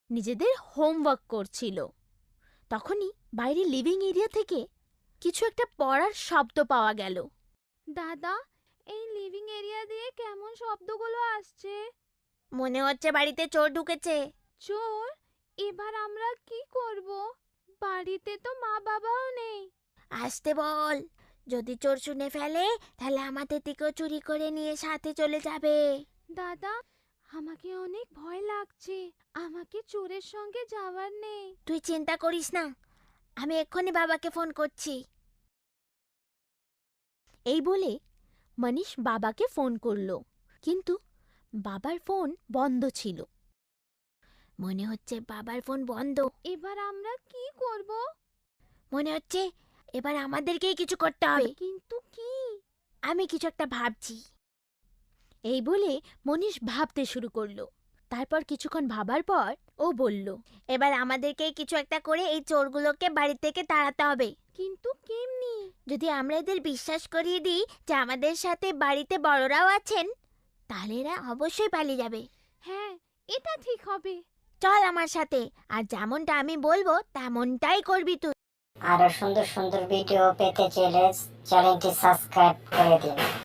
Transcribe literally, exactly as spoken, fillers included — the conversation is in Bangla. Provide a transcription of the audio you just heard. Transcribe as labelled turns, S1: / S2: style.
S1: নিজেদের হোমওয়ার্ক করছিল। তখনই বাইরে লিভিং এরিয়া থেকে কিছু একটা পড়ার শব্দ পাওয়া গেল।
S2: দাদা, এই লিভিং এরিয়া দিয়ে কেমন শব্দগুলো আসছে?
S1: মনে হচ্ছে বাড়িতে চোর ঢুকেছে।
S2: চোর? এবার আমরা কি করব? বাড়িতে তো মা বাবাও নেই।
S1: আসতে বল, যদি চোর শুনে ফেলে তাহলে আমাদের দিকেও চুরি করে নিয়ে সাথে চলে যাবে।
S2: দাদা, আমাকে অনেক ভয় লাগছে। আমাকে চোরের সঙ্গে যাওয়ার নেই।
S1: তুই চিন্তা করিস না, আমি এক্ষুনি বাবাকে ফোন করছি। এই বলে মনীষ বাবাকে ফোন করলো, কিন্তু বাবার ফোন বন্ধ ছিল। মনে হচ্ছে বাবার ফোন বন্ধ।
S2: এবার আমরা কি করব?
S1: মনে হচ্ছে এবার আমাদেরকেই কিছু করতে হবে।
S2: কিন্তু কি?
S1: আমি কিছু একটা ভাবছি। এই বলে মনীষ ভাবতে শুরু করলো। তারপর কিছুক্ষণ ভাবার পর ও বলল, এবার আমাদেরকেই কিছু একটা করে এই চোরগুলোকে বাড়ি থেকে তাড়াতে হবে।
S2: কিন্তু কেমনি?
S1: যদি আমরা এদের বিশ্বাস করিয়ে দিই যে আমাদের সাথে বাড়িতে বড়রাও আছেন, তাহলে এরা অবশ্যই পালিয়ে যাবে।
S2: হ্যাঁ, এটা ঠিক হবে।
S1: চল আমার সাথে, আর যেমনটা আমি বলবো তেমনটাই করবি তুই।
S3: আরো সুন্দর সুন্দর ভিডিও পেতে চাইলে চ্যানেলটি সাবস্ক্রাইব করে দিন।